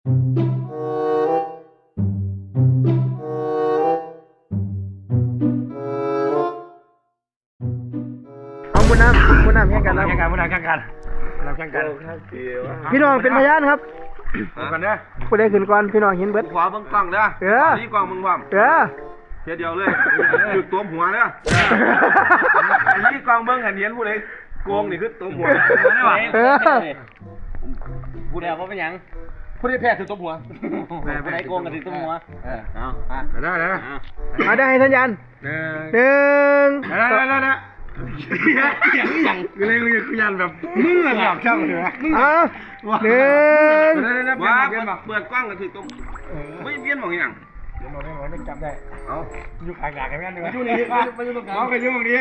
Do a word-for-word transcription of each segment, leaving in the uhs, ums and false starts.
เอาบุญน้ำบุญน้ำแข่งกันแข่งกันบุญน้ำแข่งกันเราแข่งกันพี่น้องเป็นพยานครับกันเด้อผู้ใดขึ้นก่อนพี่น้องเห็นเบิดขวาบังกล้องเด้อเออนี่กล้องมึงพร้อมเออเทียเดียวเลยจุดตัวหัวเด้ออันนี้กล้องเบิ้งหันเห็นผู้ใดโกงนี่คือตัวหัวเออผู้ใดเอาเป็นยังผู้ใดแพ้ถือตัวหัวผู้ใดโกงกันถือตัวหัวเอาได้ได้มาได้ให้สัญญาณหนึ่งหนึ่งได้ได้ได้ได้อย่างอย่างกูเลยกูกูยันแบบมึงอะหลับช่างเลยนะเอาหนึ่งว่าเปิดกล้องกันถือตัวไม่เพี้ยนบอกอย่างเดี๋ยวเราได้เราได้จำได้เอาอยู่ขางๆกันงั้นดีกว่าอยู่นี่ไม่อยู่ตรงกลางไปอยู่ตรงนี้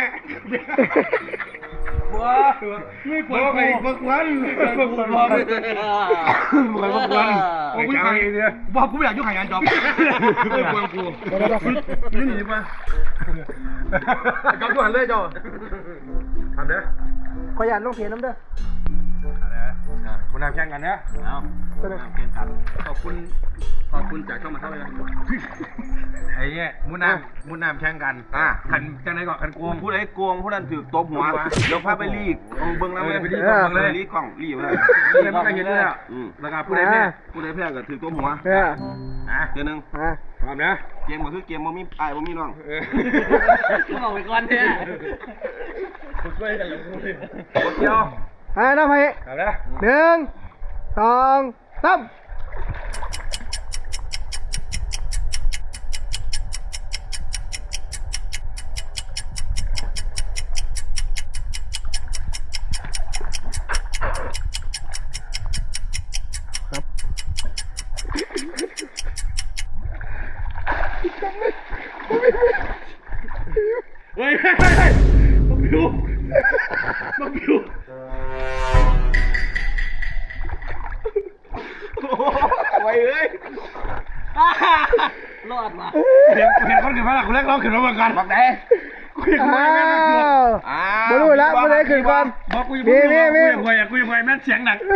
บัวไม่ควรไปบักวันบักวันบักวันบักวันโอ้ยขายเนี่ยว่ากูไม่อยากยุ่งขายงานจอบไม่ควรกูนี่หนีมาจอบกูหันเลยจอบทำเด้อขออนุญาตลงเพจน้ำเด้อคุณนำแข่งกันนะเอาคุณนำแข่งกันขอบคุณขอบคุณจากช่องมาเท่าไหร่ไอ้เนี่ยมุนน้ำมุนน้ำแข่งกันอ่าขันจังไหนก่อนขันโกงผู้ใดโกงผู้นั้นถือตัวหัวเดี๋ยวพาไปรีกเอาเบิ้งแล้วไปรีกกล้องเลยรีกกล้องรีเลยเลยมันก็เห็นเลยอ่ะอืมแล้วก็ผู้ใดแพ้ผู้ใดแพ้ก็ถือตัวหัวเอออ่ะเดี๋ยวนึงอ่ะพร้อมนะเกมก็คือเกมบ่มีอ้ายบ่มีน้องต้องออกไปก่อนเนี่ยผมช่วยกันเลยเดียวอ่ะน้ำให้เอาละหนึ่งสองสามเฮ้ยเฮ้ยเฮ้ยมาบิวมาบิวไว้เอ้ยรอดมาเห็นเห็นคนขึ้นมาแล้วกูเล็กร้องขึ้นมาเหมือนกันบอกไหนกูยังไงแม่งกูอ้าวบ่รู้แล้วผู้ใดขึ้นก่อนบอกกูยังกูยังกูยังกูยังกูยังแม่เสียงหนัก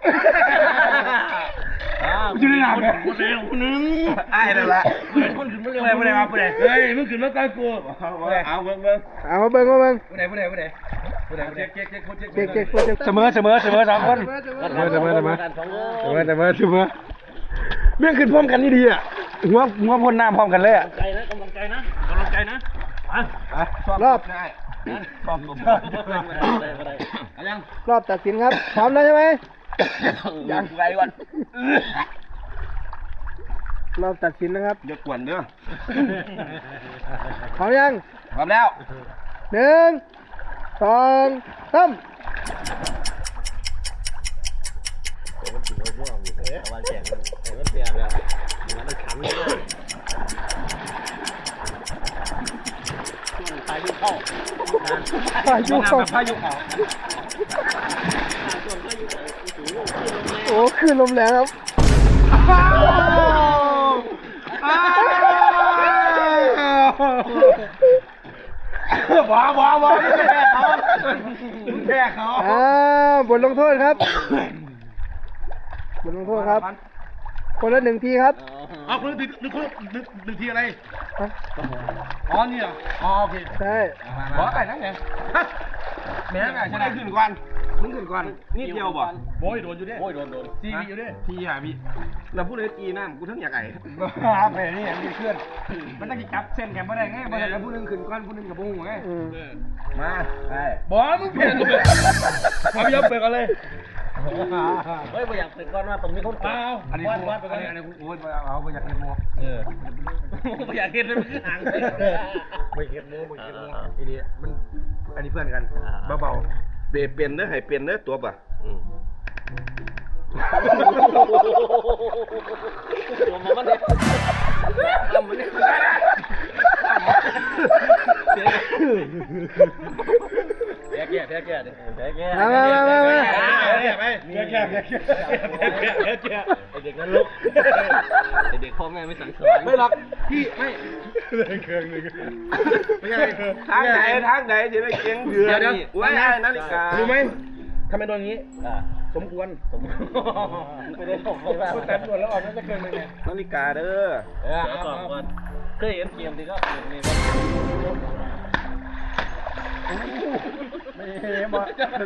อยู่ในหนักเลยคนเดียวคนนึงอ้ายนั่นแหละคนขึ้นมาเร็วผู้ใดมาผู้ใดเฮ้ยมึงขึ้นมาใกล้กูเอาเบิ่งเบิ่งเอามาเบิ่งมาเบิ่งผู้ใดผู้ใดผู้ใดผู้ใดเจ๊กเจ๊กเจ๊กเจ๊กเจ๊กเจ๊กเสมอเสมอเสมอสองคนเสมอเสมอเสมอเสมอเสมอเสมอเสมอเรื่องขึ้นพร้อมกันนี่ดีอ่ะหัวหัวพ่นน้ำพร้อมกันเลยอ่ะใจนะกำลังใจนะกำลังใจนะรอบได้พร้อมกันยังรอบตัดสินครับพร้อมแล้วใช่ไหมยังไว้ก่อนรอบตัดสินนะครับอย่ากวนเด้อพร้อมยังพร้อมแล้วหนึ่งสองสามวันแข่งมันเสียแล้วมันขันเลยพายุเข้าพายุเข้าพายุเขาโอ้ขึ้นลมแรงครับว้าวว้าวว้าวแพ้เขาแพ้เขาอ่าบทลงโทษครับบทลงโทษครับ คนละหนึ่งทีครับเอาคนหนึ่งหนึ่งคนหนึ่งหนึ่งทีอะไรอ๋อนี่เหรออ๋อโอเคใช่ขอไก่นั่งไงแม่ไก่จะใช่ไหมได้ขึ้นก่อนมึงขึ้นก่อนนิดเดียวบ่โบยโดนอยู่ดิโบยโดนโดนซีวีอยู่ดิพี่อ่ะพี่แล้วผู้ใดตีน้ำกูทั้งอยากไก่ไปนี่มีเพื่อนมันต้องจับเส้นแกไม่ได้ไงมันจะผู้นึงขึ้นก้อนผู้นึงกับผู้หัวไงอืมมาไปบอมึงเปลี่ยนกูเลยมาพี่ยอมเปิดกันเลยเฮ้ยไม่อยากเป็นก้อนว่าตรงนี้เขาอ้าวอันนี้วัดกูวัดไปอักัน นนี้อันนี้กูโอ้ยเอาไปอยากเห็นโมเออไม่อยากเห็นเลยมันคือห่างเลยไม่เห็นโมไม่เห็นโมไอ้นี่มันอันนี้เพื่อนกันเบาเปลี่ยนเปลี่ยนเด้อให้เปลี่ยนเด้อตัวป่ะตัวมันเนี่ยทำมันเนี่ยแก่แก่แก่แก่แก่แก่มามามามามาไปแก่แก่แก่แก่แก่แก่ไอเด็กนั้นลุกไอเด็กพ่อแม่ไม่สั่งสอนไม่หรอกพี่ไม่เครื่องนึงไม่ใช่ทางไหนทางไหนจะได้เก่งเดือนนี่ว้ายนาฬิการู้ไหมทำไมโดนอย่างนี้สมควรสมไม่ได้ส่งเลยว่าแต่ตรวจแล้วออกน่าจะเกินเลยเนี่ยนาฬิกาเด้อเออเอาก่อนก่อนเคยเห็นเกมที่ก็เกมนี้ไม่เห็นบ่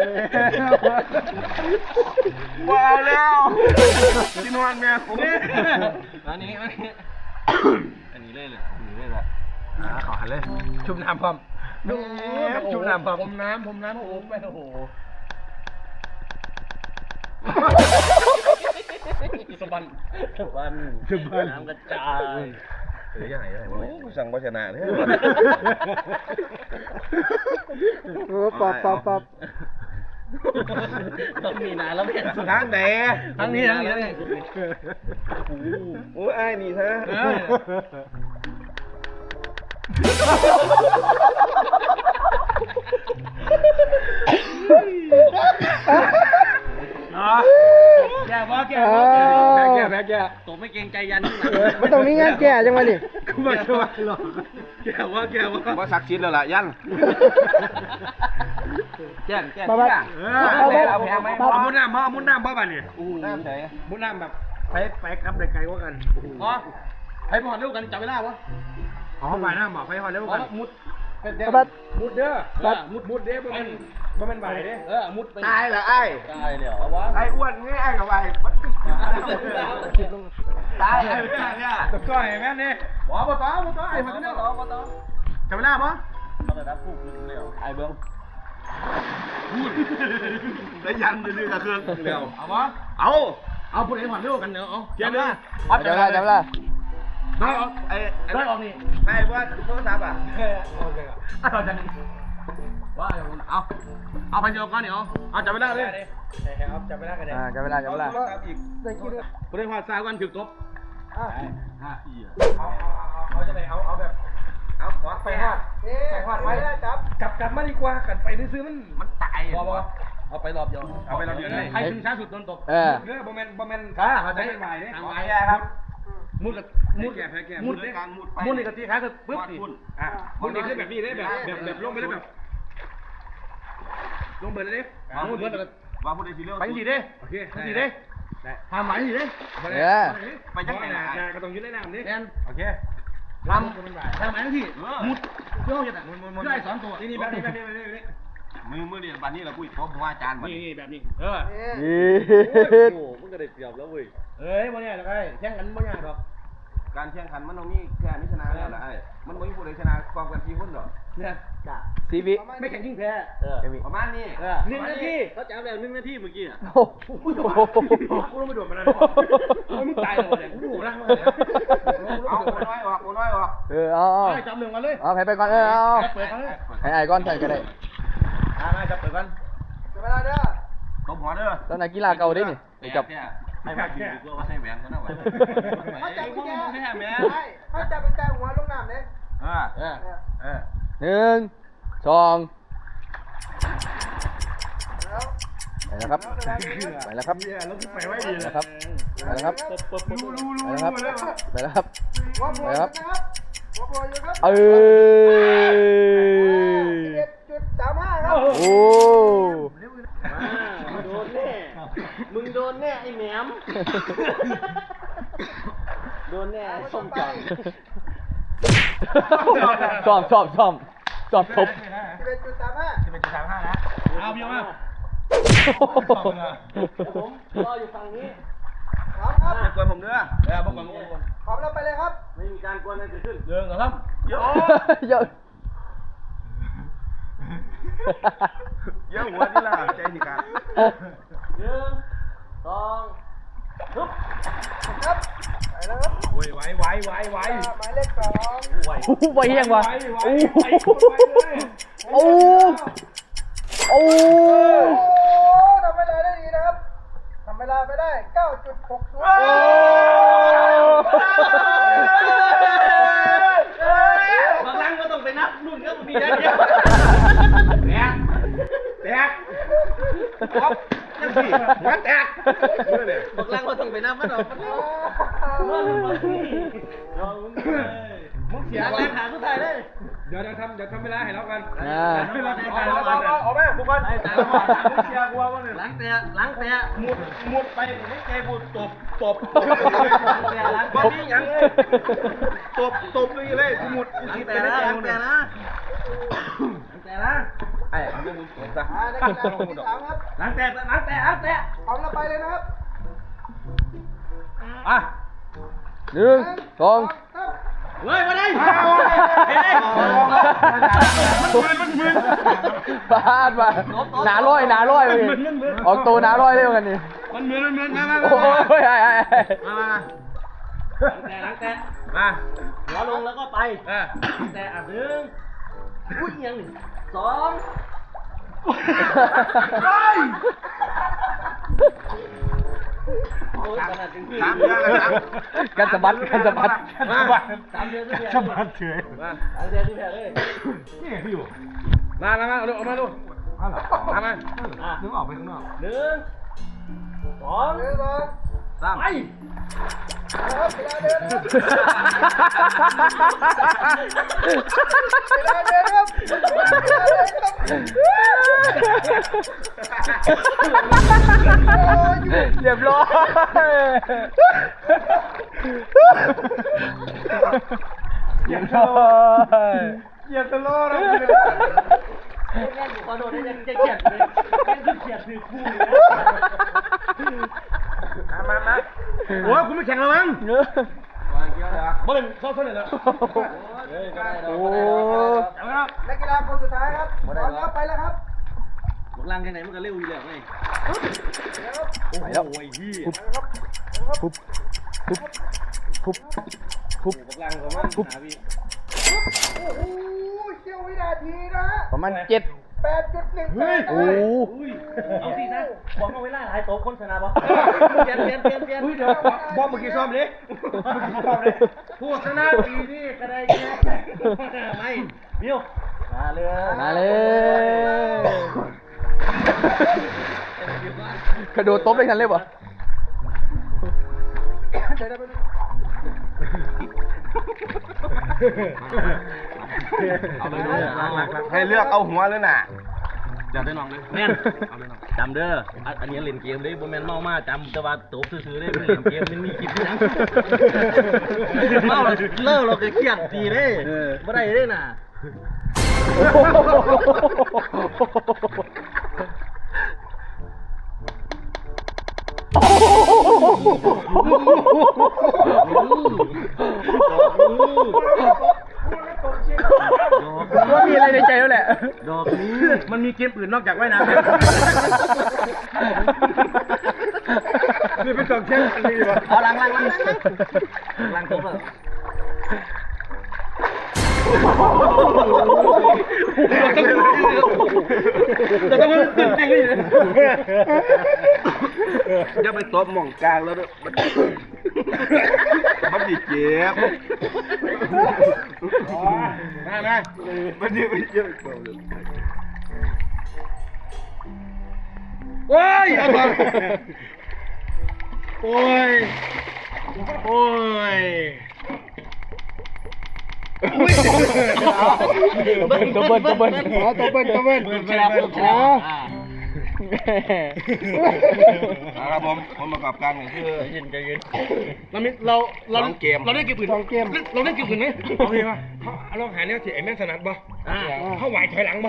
ว้าวแล้วที่นอนแม่ผมอันนี้อันนี้อันนี้เลยเลยอันนี้เลยละอ่าขอหันเลยชุบน้ำพร้อมดูชุบน้ำพร้อมผมน้ำผมน้ำโอ้โหไปโอ้โหสบันวันน้ำกระจายเฮ้ยยังไงยังไงสั่งภาชนะเนี่ยโอ้ปอบปอบปอบต้องมีนานแล้วแม่ทางไหนทั้งนี้ทั้งนี้ทั้งนี้โอ้ยไอ้นี่ฮะแก่บ่แก่เอบ่อแก่แก่แก่ตกไม่เกรงใจยันที่ไหนมันต้องมีงานแก่จังวะนี่กูมาช่วยหรอกแก่ว่าแก่ว่าว่าสักชิดแล้วล่ะยันแจ้งแจ้งมาบ้าเออเอาแพงไหมเอามุดน้ำเอามุดน้ำบ่บ้านนี่น้ำใส่มุดน้ำแบบไปไปกับได้ไกลกว่ากันอ๋อไปพอดเร็วกันจับเวลาวะอ๋อไปน้ำบอกไปพอดเร็วกันมุดมาบ้ามุดเด้อมุดมุดเด้อบ่แม่นบ่แม่นใบเด้อเออมุดไปตายละไอ้ตายเดี๋ยวเอาวะไอ้อ้วนนี่ไอ้กับไอ้ตายไอ้เนี่ยตะก้อยแม่นี่บ่บ่ต่อบ่ต่อไอ้พอดเร็วต่อมาต่อจับเวลาบ่มาเลยนะพูดเร็วไอ้เบิ้งแล้วยันดื้อกับเครื่องเร็วเอาบ่เอาเอาผู้ใดพอดเร็วกันเนาะเอาเดี๋ยวจับเวลาจับเวลาได้ออกไอ้ได้ออกนี่ไอ้ว่าโทรศัพท์อ่ะโอเคครับเอาจังว่าเอาเอาไปเดียวกันเดี๋ยวเอาจับเวลาเลยครับจับเวลากันเลยอ่าจับเวลาจับเวลาอีกได้คิดด้วยผู้ใดพอดสาวกันถึกตบอ่ะอ่ะเอาเอาจะไหนเอาเอาแบบเอาขอไปไปฮฮออดดไปฮอดไปจับกลับกลับมาดีกว่ากันไปซื้อมันมันตายบอบอเอาไปรอบเดียวเอาไปรอบเดียวใครถึงช้าสุดโดนตบเออเนื้อบอมเมนบอมเมนขาเขาจะไม่ไหวเนี่ยทางไหนครับมุดกับมุดแก่แพ้แก่มุดการมุดไปมุดนี่กับตีขาคือปึ๊บสิอ่ะมุดนี่คือแบบนี้ได้แบบแบบแบบลงไปได้แบบลงไปเลยดิมุดเบิร์ดแล้วว่าผู้ใดสิเร็วไปสิเด้โอเคไปสิเด้ทำหมายสิเด้เออไปจังไหนนะก็ต้องยืนได้น้ำดิโอเคทำทำหมายทั้งที่มุดเพื่อจะมุดมุดมุดได้สองตัวนี่นี่แบบนี้แบบนี้แบบนี้มือมือเนี่ยบัดนี้เราคุยพบว่าอาจารย์บัดนี่นี้นี่แบบนี้เออยีดโอ้มึงก็ได้เปรียบแล้วเว้ยเอ้ยบ่เนี่ยหรอกไอ้แข่งกันบ่เนี่ยหรอกการแข่งขันมันต้องมีแค่นี้ชนะแล้วล่ะไอ้มันไม่มีผู้ใดชนะความกันทีหุ้นหรอกเนี่ยซีบีไม่แข่งยิ่งแพ้เออประมาณนี้เออหนึ่งนาทีเขาจับแล้วหนึ่งนาทีเมื่อกี้อ่ะโอ้โหกูต้องไปโดดมันแล้วมึงตายเลยกูดูนะเอาโอนน้อยออกโอนน้อยออกเออเอาเอาจับหนึ่งมาเลยเอาไปไปก่อนเออเอาเปิดกันเลยให้ไอ้ก้อนใส่ก็ได้อ่ามาจับเปิดกันตบหัวเด้อตอนนักกีฬาเก่าได้นี่ไปจับไอ้แม่ดีกว่าใส่แหวนกันนะวะเขาจับแก่แม่แม่เขาจับเป็นแต่หัวลงน้ำเลยเออเออเออหนึ่งสองไปแล้วครับไปแล้วครับไปไว้ดีไปเลยแล้วครับไปแล้วครับไปแล้วครับไปแล้วครับหัวโผไปล่แล้วครับนะครับหัวโผล่อยู่ครับเออเจ็ดจุดสามห้าครับโอ้มึงโดนแน่มึงโดนแน่ไอ้แหนมโดนแน่ส้มจังซ้อมซ้อมซ้อมซ้อมทบสิบเอ็ดจุดสามห้าสิบเอ็ดจุดสามห้านะเอาเบี้ยมาผมรออยู่ฝั่งนี้พร้อมครับกวนผมเด้อเออบอกก่อนพร้อมแล้วไปเลยครับไม่มีการกวนอะไรเกิดขึ้นเดินก่อนครับเยอะเยอะเยอะหัวนี่ล่ะใจสิครับหนึ่งสองฮึบครับไปแล้วครับโอ้ยไหวไหวไหวไหวหมายเลขสองไหวโอ้โหไปยังวะไหวโอ้ไหวโหไหวเลยโอ้โอ้โอ้ทำเวลาได้ดีนะครับทำเวลาไปได้ เก้าจุดหกศูนย์บางครั้งก็ต้องไปนับรุ่นก็มีได้เดียวแตกแตกครับยังสิหัวแตกบางครั้งก็ต้องไปนับมันออกมันรอมึงมาที่รอมึงเลยมึงเสีอย ยากอะไรเล่นหาสุดท้ายเลยเเดี๋ยวเดี๋ยวทำเดี๋ยวทำเวลาให้เรากันอ่าเวลาให้เรากันเอาแม่บุกกันไอ้ตาละบาทเชียร์กูว่าเนี่ยหลังเตะหลังเตะมุดมุดไปไม่ใจกูตบตบเตะหลังวันนี้ยังตบตบเลยเลยกูหมดกูหลังคิดเตะไปนะได้หลัยังงเนี่เตะยนะหลังเตะนะไอ้เรื่องมึงเห็นปะอ่านักกีฬาคนที่สามครับหลังเตะหลังเตะหลังเตะพร้อมแล้วไปเลยนะครับอ่ะหนึ่งสองสามเฮ้ยมาดิมันมึนพลาดมาหนาร้อยหนาร้อยเลยออกตัวหนาร้อยเลยกันนี่มันมึนมันมึนมามาโอ้ยไอ้ไอ้ไอ้มามาหลังเตะหลังเตะมาหัวลงแล้วก็ไปเออหลังเตะอ่ะหนึ่งอุ้ยยังหนึ่งสอง โอ้ยขนาดถึงที่สามเดือนแล้วครับกันสะบัดกันสะบัดมาสามเดือนที่แพ้สบัดเฉยมาสามเดือนที่แพ้เลยนี่พี่อยู่มามามาเอามาดูมามาอ่ะนึกออกไปข้างนอกหนึ่งสองหนึ่งสองสามไปนะครับเวลาเดินนะครับเวลาเดินครับเวลาเดินครับเรียบร้อยเรียบร้อยเหยียบตะโลแล้วแม่งขอโดนได้ยังจะเขียนเลยแม่งคือเขียนคือคู่เลยมามาโอ้ยกูไม่แข่งแล้วมั้งบ่เป็นเข้าเท่าไหร่แล้วโอ้นักกีฬาคนสุดท้ายครับพร้อมแล้วไปแล้วครับบอกลังยังไงมันก็เร็วอยู่แล้วไงไปแล้วปุ๊บปุ๊บปุ๊บปุ๊บบอกลังก็มันหาพี่โอ้โหเสี้ยววินาทีนะฮะประมาณเจ็ดแปดจุดหนึ่งแปดโอ้เอาสินะบอกเอาไว้ไล่หลายโต๊ะคนชนะปะเปลี่ยนเปลี่ยนเปลี่ยนเปลี่ยนเดี๋ยวบอมเมื่อกี้ซ้อมเลยเมื่อกี้ซ้อมเลยผู้ชนะปีนี้ก็ได้แค่ไม่บิวมาเลยมาเลยกระโดดตบได้กันเลยปะเดี๋ยวเดี๋ยวไปดูเอาเลยเลยให้เลือกเอาหัวเลยน่ะอยากได้น้องเลยแม่นจำเด้ออันนี้เล่นเกมได้บ่แม่นเมามาจำแต่ว่าโต๊ะซื้อๆได้เล่นเกมมันมีคลิปนะเมาเลิกเราก็เครียดดีเด้บ่ได้เด้น่ะว่ามีอะไรในใจแล้วแหละดอกนี้มันมีเกมอื่นนอกจากว่ายน้ำนี่เป็นสองเช่นอันนี้วะเอาลังลังลังลังลังครบแล้วแต่ต้องมันตื่นเต้นเลยอย่าไปตบหม่องกลางแล้วด้วยมันมันดีเจ็บมามามันดีมันเจ็บโอ้ยเอาไปโอ้ยโอ้ยตัวเบิ้ลตัวเบิ้ลอ๋อตัวเบิ้ลตัวเบิ้ลแชร์ผมแชร์นะครับผมผมประกอบการนี่คือยินใจเย็นเรามีเราเราสองเกมเราได้เกมอื่นสองเกมเราได้เกมอื่นไหมเอาเลยป่ะเอาลองหาแนวที่ไอ้แม่งถนัดป่ะอ่าเข้าไหวถอยหลังป่ะ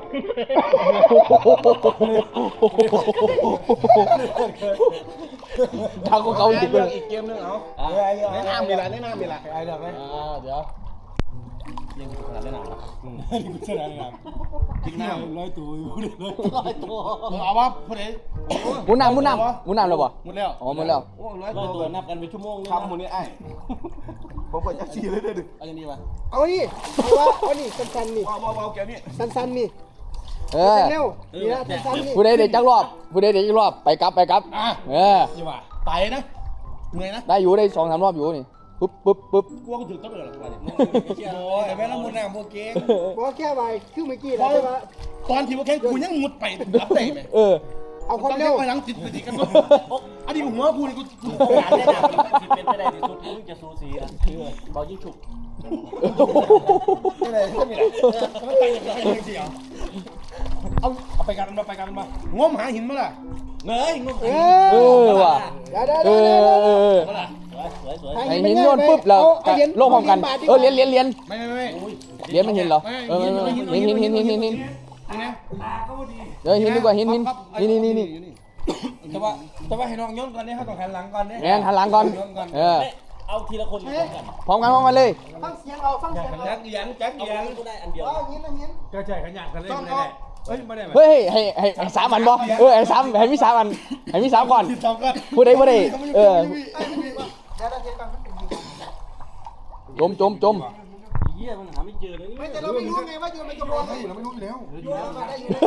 ทางของเขาจริงเลยอีกเกมนึงเอาแนะนำมีละแนะนำมีละไอ้เดี๋ยวไหมเดี๋ยวยังขนาดเล่นหนังกินน้ำร้อยตัวอยู่เลยร้อยตัวเอาว่าผู้ใดหมุนน้ำหมุนน้ำหมุนน้ำแล้วปะหมดแล้วอ๋อหมดแล้วโอ้ร้อยร้อยตัตัว วนับกันเป็นชั่วโมงคำมูนี่ไอ้ผมเปิดจักรีเลยเด้อดึกเอาอย่างนี้วะเอานี่เอาว่าเอานี่สั้นๆนี่ว้าวว้าวแกนี่สั้นๆนี่เออเร็วนี่นะสั้นๆนี่ผู้ใดเด็กจักรอบผู้ใดเด็กจักรอบไปกลับไปกลับเออยี่ว่าไปนะเหนื่อยนะได้อยู่ได้สองสามรอบอยู่นี่ปุ๊บปุ๊บปุ๊บกลัวกูถึงต้องเลยหรอวะเนี่ยโอ้ยแม่ละมุนน่ะพวกเก่งบอกแค่ไปคือเมื่อกี้นะใช่ไหมตอนที่ว่าแข่งกูยังมุดไปรับได้ไหมเออเอาคนเร็วไปหลังติดติดกันอันนี้หัวกูนี่กูกูการได้นะสิเป็นไปได้ที่สุดมึงจะสูสีอ่ะบอลยิ่งฉุกนี่เลยนี่เลยมันไปอย่างไรเสียวเอาเอาไปกันมาไปกันมางมหาหินมาล่ะเงยงงเอเออว่ะได้ได้เอได้อเออสวยสวยไอ้หินโยนปุ๊บแล้วลงพร้อมกันเออเลี้ยนเลี้ยนเลี้ยนไม่ไม่ไม่เลี้ยนมันเห็นเหรอเออหินหินหินหินหินหินนี่นะเออหินดีกว่าหินหินนี่นี่นี่นี่แต่ว่าแต่ว่าให้น้องย้อนก่อนเนี่ยเขาต้องหันหลังก่อนเนี่ยแอนหันหลังก่อนเออเอาทีละคนพร้อมกันพร้อมกันพร้อมกันเลยฟังเสียงเราฟังเสียงเราแจ็คเอียงแจ็คเอาเอียงก็ได้อันเดียวเอาหินเอาหินก็ใช่ขยันกันเลยไม่ได้เฮ้ยไม่ได้ไหมเฮ้ยให้ให้ให้สามอันบ่เออให้สามให้มีสามอันให้มีสามก่อนสองก่อนพูดได้พูดได้เออไอ้ไม่มีว่าเดี๋ยวเราเทียบกันจมจมจมเยี่ยมันหาไม่เจอเลยนี่ไม่แต่เราไม่รู้ไงว่าอยู่ในกระบวนการเราไม่รู้อยู่แล้วอยู่แล้วมาได้อยู่แล้ว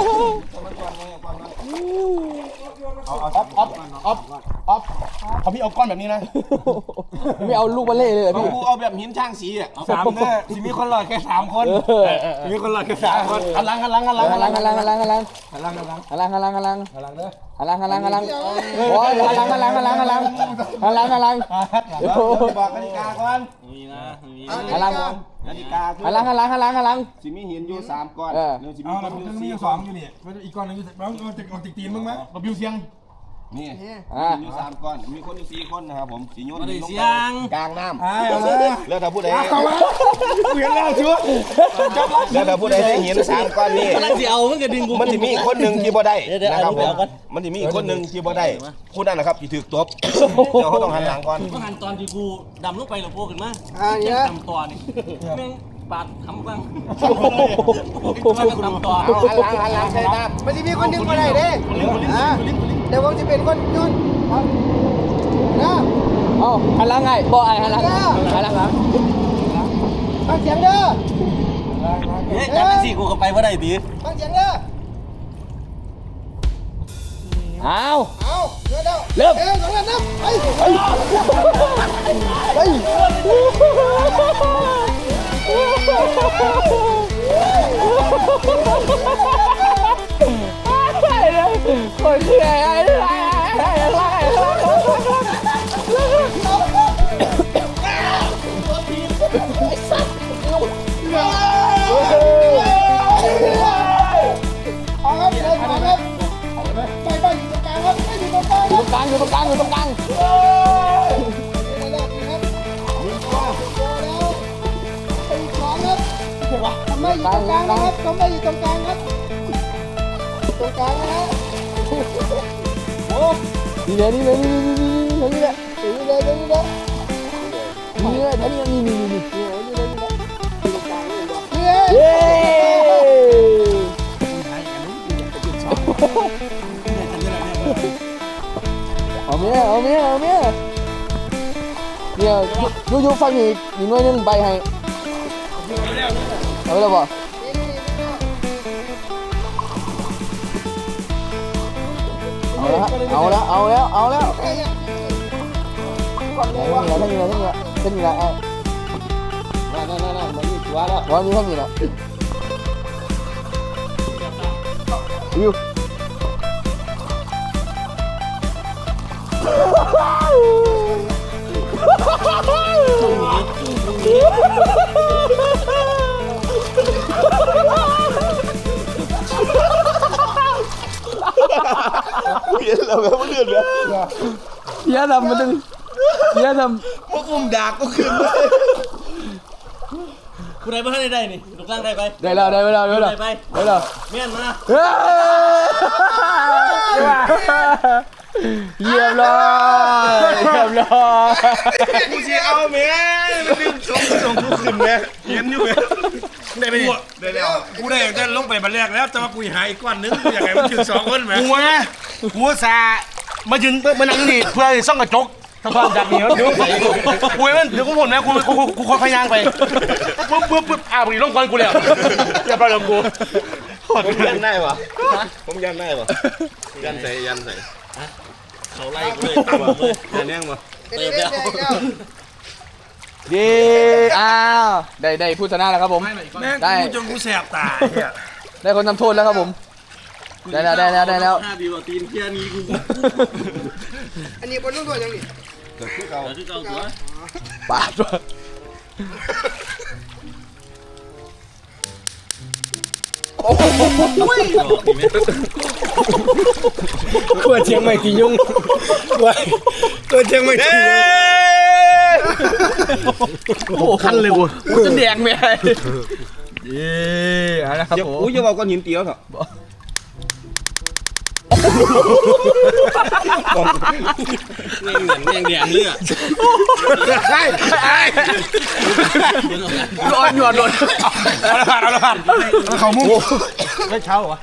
เอาเอาออฟออฟออฟออฟเอาพี่เอาก้อนแบบนี้นะไม่เอาลูกบอลเล่เลยเหรอพี่กูเอาแบบหินช่างสีอ่ะสามแน่สิมีคนหลอดแค่สามคนเออมีคนหลอดแค่สามคนหันหลังหันหลังหันหลังหันหลังหันหลังหันหลังหันหลังหันหลังหันหลังหันหลังหันหลังหันหลังหันหลังเด้อหันหลังหันหลังหันหลังโอ้ยหันหลังหันหลังหันหลังหันหลังหันหลังหันหลังบอกกติกาก่อนมีนะมีหันหลังกติกาคือหันหลังหันหลังหันหลังหันหลังสิมีหินอยู่สามก้อนเออเดี๋ยวสิมีเอาคเรานอยู่มีสี่อยู่คสองนอยู่นี่อีกก้อนนึงอยู่เราเอาติดเอาติดตีนมึงไหมเราบิวเสียงนี่อ่าอยู่สามก้อนมีคนอยู่สี่คนนะครับผมสีโยนมาได้ลงเสีไปยงกลางน้ำไอ้เอาเลยแล้วถ้าผู้ใดเอามาเปลี่ยนแล้วชัวร์แล้วถ้าผู้ใดได้หินสามก้อนนี่กำลังจะเอามันก็ดึงกูมันจะมีอีกคนหนึ่งที่บ่ได้เดี๋ยวเดี๋ยวนะครับผเอามก่อนมันจะมีอีกคนหนึ่งที่บ่ได้ผู้นั้นนะครับที่ถูกตบเดี๋ยวเขาต้องหันหลังก่อนก็หันตอนที่กูดำลงไปหรือโผล่ขึ้นมาอ่าเนี่ยดำตัวนี่แม่งปาดทำบ้างทำตัวหันหลังหันหลังใช่ครับมันจะมีคนดึงมาได้เด้อ่าเดี๋ยวผมจะเป็นคนโยนครับนะเอาหันหลังไงบ่ไอหันหลังหันหลังหลังฟังเสียงเด้อเฮ้ยจับเป็นสี่กูก็ไปว่าได้ดีฟังเสียงเด้อเอาเอาเดี๋ยวเดี๋ยวเริ่มเอ้ยสองนัดนับไปไปไปคนคือไอ้ไอ้ไอ้ไอ้ไอ้เอาครับเดินมาครับไปไปอยู่ตรงกลางครับไม่อยู่ตรงกลางอยู่ตรงกลางอยู่ตรงกลางอยู่ตรงกลางนี่แหละครับมีตัวตัวแล้วเป็นสองครับทำไมอยู่ตรงกลางนะครับทำไมอยู่ตรงกลางครับตรงกลางนะฮะนี่เลยนี่เลยนี่นี่นี่นี่นี่เลยนี่เลยนี่เลยนี่เลยนี่นี่นี่นี่นี่เลยเย้เอาเมียเอาเมียเอาเมียเดี๋ยวยูยูฟังอีกอีกหน่วยนึงใบให้เอาแล้วบ่เอาแล้วเอาแล้วเอาแล้วเอาแล้วทั้งนี้ทั้งนี้ทั้งนี้ทั้งนี้ไอ้นั่นนั่นนั่นมันมีตัวแล้ววันนี้ทั้งนี้ละยูเห็นแล้วแบบมันเดือดเลยเยอะทำมันดึงเยอะทพวกอุ้มดากก็ขึ้นเลยกูได้บ้างได้ได้นี่ลูกล่างได้ไปำได้แล้วได้แล้วได้แล้วได้ไปได้แล้วเมียนมาเฮ้ยเรียบร้อยเรียบร้อยกูจะเอาแม่มันดึงส่งส่งกูขึ้นแม่เห็นอยู่แม่ได้ไปดิได้แล้วกูได้ได้ลงไปบันแรกแล้วแต่ว่ากูหาอีกก้อนนึงกูอยากให้มันถึงสองคนไหมกูนะกูซามายืนมานั่งนี่เพื่อส่องกระจกทำความจากนี้มันดูกูมันเดี๋ยวกูผลนะกูกูกูคอยพยางไปปึ๊บปึ๊บปึ๊บอ้าวมึงลงก่อนกูแล้วอย่าไปลงกูผมยันได้ปะผมยันได้ปะยันใส่ยันใส่เขาไล่กูเลยตามเลยยันแน่งปะเดี๋ยวเดี๋ยวเดี๋ยวเย้อ้าวได้ได้ผู้ชนะแล้วครับผมแม่งกูจนกูแสบตาได้คนทำโทษแล้วครับผมได้แล้วได้แล้วได้แล้วห้าดีกว่าตีนเคียนี้กูอันนี้บนต้องตัวยังนี่เกิดขึ้นเก่าเดี๋ยวที่เก่าตัวปาดวะโอ้โหกลัวเชียงใหม่ตียุ่งกลัวกลัวเชียงใหม่ตียุ่งโอ้คันเลยกูกูจะแดงไหมเย้เอาละครับอย่าผมอุ้ยอย่าบอกก้อนหินเตี้ยวเถอะแม่งเหมือนแม่งแดงเลือดใช่ใช่โดนหยอดโดนเอาละผ่านเอาละผ่านเขามุ้งไม่เช้าเหรอ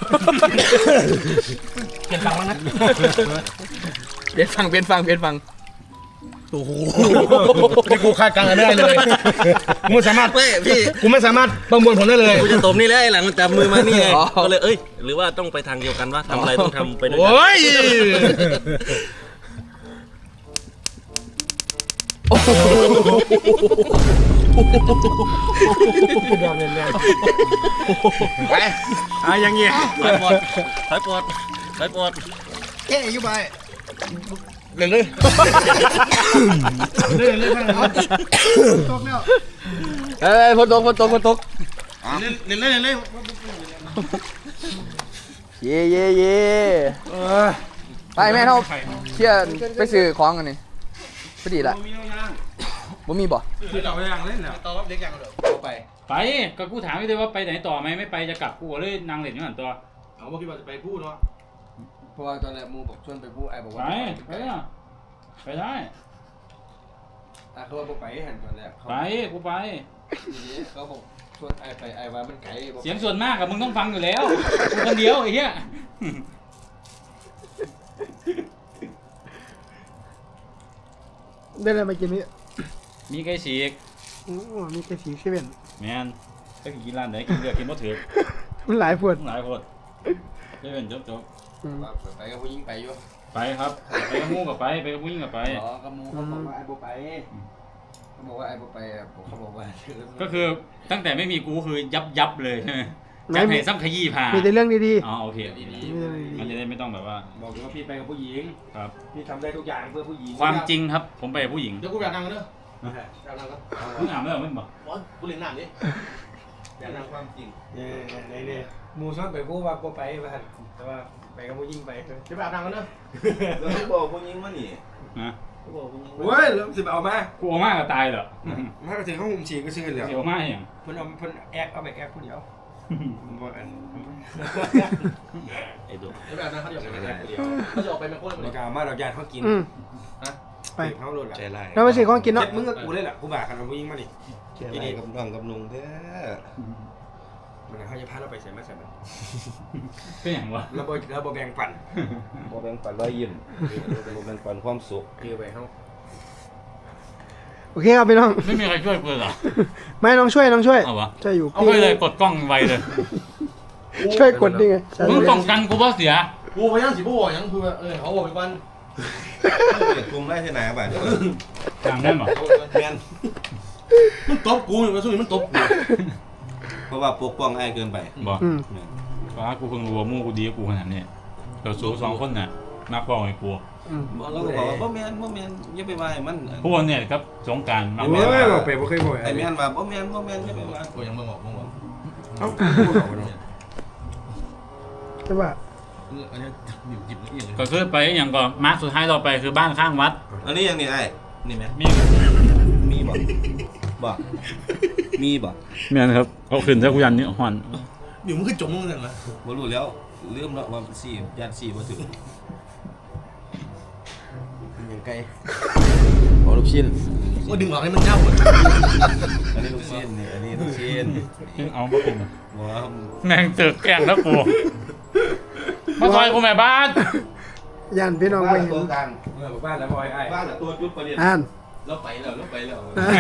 เปลี่ยนฟังแล้วนะเปลี่ยนฟังเปลี่ยนฟังเปลี่ยนฟังโอ้โหนี่กูคาดการณ์ไม่ได้เลยกูไม่สามารถเฮ้ยพี่กูไม่สามารถประมวลผลได้เลยกูจะตบนี่เลยหลังมันจับมือมานี่ไงก็เลยเอ้ยหรือว่าต้องไปทางเดียวกันว่าทำอะไรต้องทำไปด้วยกันโอ้ยไปอ่ะยังเงี้ยถอยปอดถอยปอดถอยปอดแค่อยู่ไปเล่นเลยเล่นเลยตกแล้วเอ้ยฝนตกฝนตกฝนตกเล่นเล่นเล่นเล่นเย่เย่เย่ไปแม่เขาเชี่ยไปซื้อของกันนี่พอดีละบ่มีบ่คือเราอย่างเล่นแล้วต่อรับเด็กอย่างเดียวไปไปก็กูถามไม่ได้ว่าไปไหนต่อไหมไม่ไปจะกลับกูก็เลยนั่งเล่นอยู่หันตัวเอาว่าคิดว่าจะไปพูดเนาะเพราะว่าตอนแรกมูบอกชวนไปพูดไอ้บอกไปว่าไปอ่ะไปได้อ่ะเขาบอกไปหันตอนแรกไปกูไปเขาบอกชวนไอ้ไปไอ้ว่ามันไกลเสียงส่วนมากกับมึงต้องฟังอยู่แล้วกูคนเดียวไอ้เหี้ยได้อะไรมากินนี่มีไก่ฉีกโอ้มีแค่สีเซเว่นแมนถ้ากินร้านไหนกินเลือกกินบ่ถือมันหลายพวดหลายคนเล่นจบจบไปกับผู้หญิงไปอยู่ไปครับไปกับมูกับไปไปกับผู้หญิงกับไปอ๋อกับมูเขาบอกว่าไอ้บ่ไปเขาบอกว่าไอ้บ่ไปเขาบอกว่าก็คือตั้งแต่ไม่มีกูคือยับยับเลยใช่ไหมจับให้ซ้ำขยี้ผ่ามีแต่เรื่องดีอ๋อโอเคมันจะได้ไม่ต้องแบบว่าบอกว่าพี่ไปกับผู้หญิงครับพี่ทำได้ทุกอย่างเพื่อผู้หญิงความจริงครับผมไปกับผู้หญิงเดี๋ยวกูอยากนั่งกันเด้ออยากนั่งกันมึงอ่านไม่หรอมึงบอกกูเล่นน้ำดิอย่านั่งความจริงเนี่ยเนี่ยเนี่ยมูชอบไปพูดว่ากูไปบ้านแต่ว่าไปกับผู้หญิงไปจะไปอาบน้ำกันเด้อแล้วเขาบอกผู้หญิงว่านี่นะเขาบอกผู้หญิงโอ้ยแล้วสิบเอามากูเอามากก็ตายเหรอถ้าไปถึงห้องมุมฉีก็ชื่อเลยเสียวมากอย่างเพิ่นเอาเพิ่นแอกเอาไปแอกผู้เดียวบ่อันไอ้ดุจะไปอาบน้ำเขาเดียวเขาจะออกไปเป็นคนเราจะเอามาเราญาติเขากินๆอืมนะไปเขาโดนละใจร้ายเราไปซื้อของกินเนาะเจ็บมึงกับกูเลยแหละกูบ่ากันเอาผู้หญิงมาดิใจร้ายกับน้องกับลุงเด้อมันเขาจะพาเราไปใส่มาใส่มันเป็นอย่างวะเราบ่เราบ่แบ่งปันบ่แบ่งปันรอยยิ้มบ่แบ่งปันความสุขคือไปเขาโอเคครับพี่น้องไม่มีใครช่วยกูเหรอไม่น้องช่วยน้องช่วยเอาวะช่วยอยู่เอาไปเลยกดกล้องไวเลยช่วยกดดิไงมึงป้องกันกูเพราะเสียกูพยายามสิบ่ยังคือเออเขาบอกไปวันกลุ่มได้ที่ไหนบ้างจางได้หรอแม่นมันตบกูอยู่ว่าสู้มันตบกูเพราะว่าปกป้องไอ้เกินไปบอกอืมเพราะว่ากูเพิ่งรู้ว่ามู่กูดีกับกูขนาดนี้เราสู้สองคนน่ะนักป้องไอ้กูอืมเราก็บอกว่าบ่แม่นบ่แม่นอย่าไปว่าให้มันพวกเนี่ยครับสงการมาโอ้ยบอกไปบ่เคยบอกไอ้แม่นว่าบ่แม่นบ่แม่นอย่าไปว่ากูยังบ่บอกบ่บอกเอ้าใช่ป่ะอันนี้หยิบหยิบละเอียดเลยก็คือไปอย่างก่อนมาร์คสุดท้ายเราไปคือบ้านข้างวัดอันนี้ยังนี่ไอ้นี่ไหมมีมีบ่บ่มีบ่เมียนครับเขาขึ้นถ้ากูยันนี่ห่อนอยู่มึงคือจมมึงนั่นแหละบ่รู้แล้วลืมแล้วว่าสี่ย่านสี่บ่ถึงยังไกลขอลูกชิ้นว่าดึงออกให้มันเน่าหมดอันนี้ลูกชิ้นนี่อันนี้ลูกชิ้นเอามากินบ่แม่งเจอแกล้งแล้วกูมาซอยกูแม่บ้านย่านพี่น้องไปบ้านเห็นตัวกลางเออบ้านแล้วบอยไอ้บ้านตัวจุดประเด็นอ่านเราไปแล้วเราไปแล้ว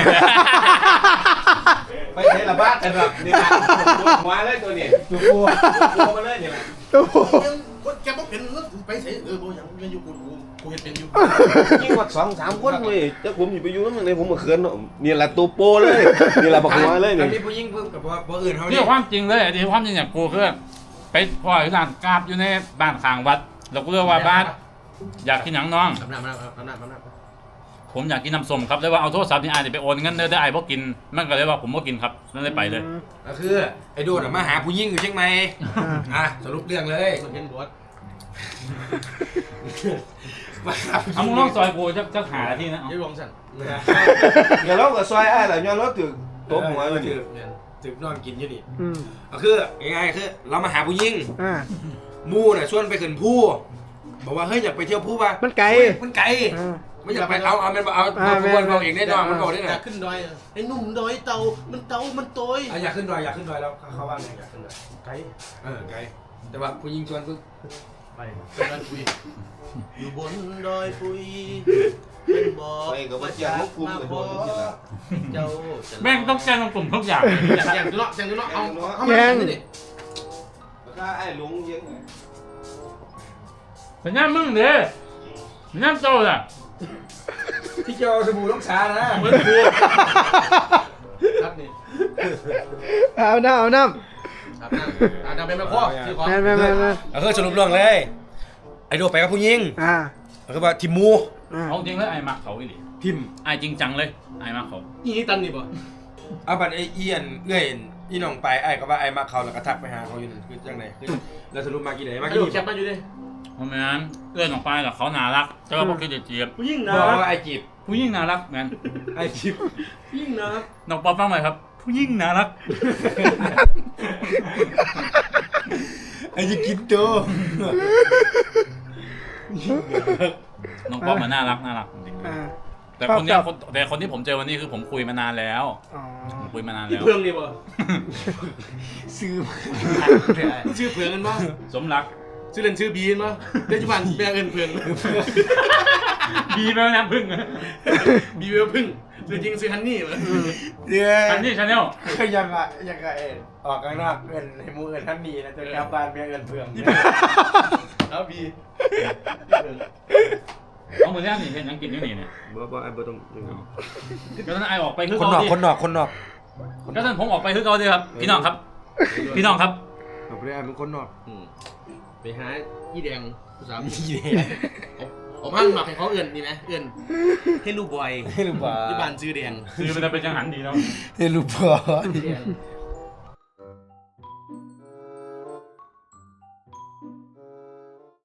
ไปเทละบ้านแต่แบบนี่นะหัวเลยตัวนี้ตัวกูตัวมาเลยนี่แหละโอ้โหแกบอกเป็นไปเสียเออบ่ยังยังอยู่กูกูเห็นเป็นอยู่ยิ่งกว่าสองสามคนเว้ยแต่ผมอยู่ไปอยู่นั่นเลยผมมาเขินเนาะนี่แหละตัวโปเลยนี่แหละบักหัวเลยอันี่นนี้ผู้หญิงเพิ่มกับว่าอื่นเขานี่ความจริงเลยที่ความจริงอย่างกูคือไปพ่อที่ร้านกราบอยู่ในบ้านข้างวัดเราก็เรียกว่าบ้านอยากกินหยังน้องอำนาจอำนาจอำนาจอำนาจผมอยากกินน้ำส้มครับเลยว่าเอาโทรศัพท์นี่อายไปโอนเงินเด้อได้อายบ่กินมันก็เลยว่าผมบ่กินครับนั่นเลยไปเลยก็คือไอ้โดดมาหาผู้หญิงอยู่เชียงใหม่อ่ะสรุปเรื่องเลยมันเห็นบอสมาหาผู้หญิเอามึงลองซอยกูจะจะหาที่นะยี่ลงสั่นเดี๋ยวเรากับซอยไอ้หล่ะย้อนรถถึงตัวหัวอยู่ถึงนอนกินอยู่นี่อืมก็คือยังไงคือเรามาหาผู้หญิงอ่ามู่น่ะชวนไปขึ้นผู้บอกว่าเฮ้ยอยากไปเที่ยวผู้ป่ะมันไกลมันไกลอ่าไม่อยากไปเอาเอามันเอาอ่าเอาแม่วนเอาเองได้นอนมันบอกได้อไงยากขึ้นดอยไอ้หนุ่มดอยเตามันเตามันโตยอยากขึ้นดอยอยากขึ้นดอยแล้วเขาว่าไงอยากขึ้นดอยไกลเออไกลแต่ว่าผู้หญิงชวนคือไปดอยปุยอยู่บนดอยปุยเป็นบ่อเจ้าแม่งต้องแจ้งกลุ่มทุกอย่างอย่างอย่างดูเนาะอย่างดูเนาะเอาเอาแย่งมาดิถ้าไอ้ลุงยังสัญญามึงเด้อสัญญาโตล่ะที่เจ้าสบู่ต้องชานะเหมือนกูครับนี่เอาน้ำเอาน้ครับนั่งอ่าทำเป็นแม่พ่อซื้อของำแม่นแม่นแม่นแม่นเออสรุปเรื่องเลยไอ้โดไปกับผู้หญิงอ่าก็ว่าทิมมูอ่าเอาจริงเลยไอ้มักเขาอีหลีทิมไอ้จริงจังเลยไอ้มักเขาอีนี่ตันนี่บ่เอาบัตรไอ้เอียนเอื้อยอีน้องไปไอ้ก็ว่าไอ้มาเขาแล้วก็ทักไปหาเขาอยู่นั่นคือจังไหนคือแล้วสรุปมากี่ไหนมาไอ้กี่ดูแคปมาอยู่ดิเพราะงั้นเอื้อนออกไปแล้วเขาน่ารักแต่ว่าพวกคือจะเจียบผู้หญิงบนะอกว่าไอ้จีบผู้หญิงน่ารักแมนไอ้จีบผู้หญิงนะน้องป๊อปฟังหน่อยครับ ผู้หญิงน่ารักไอ้จะกินตัวน้องป๊อปมันน่ารักน่ารักจริงอ่าๆแต่คนเนี้ยคนแต่คนที่ผมเจอวันนี้คือผมคุยมานานแล้วอ๋อผมคุยมานานที่แล้วเพื่องนี่บ่ซื้อชื่อเพื่องกันบ่สมรักชื่อเล่นชื่อบีนบ่ปัจจุบันแม่เอิ้นเพื่องดีแล้วนะพึ่งบีเวลพึ่งชื่อจริงชื่อฮันนี่บ่เดี๋ยวอันนี้ชาแนลก็ยังอะยังอะเอ็นออกข้างนอกเอินให้มูเอินท่านนี้นะจนแถวบ้านเมียเอินเพื่องเอาบีเอามือแรกนี่เห็นยังกินอยู่นี่เนี่ยบ่บ่ไอ้บ่ต้องก็นั้นไอออกไปคือคนเขานอกดิคนนอกคนนอกก็นั้นผมออกไปคือเขาดิครับพี่น้องครับ พี่น้องครับเอาไปได้เป็นคนนอกอืมไปหาอีแดงสามีผมหั่นหมักให้เขาเอิ้นนี่มั้ยเอิ้นเฮลูบอยให้รู้ป่ะที่บ้านชื่อแดงคือมันจะเป็นจังหันดีเนาะให้รู้ป่ะชื่อแดง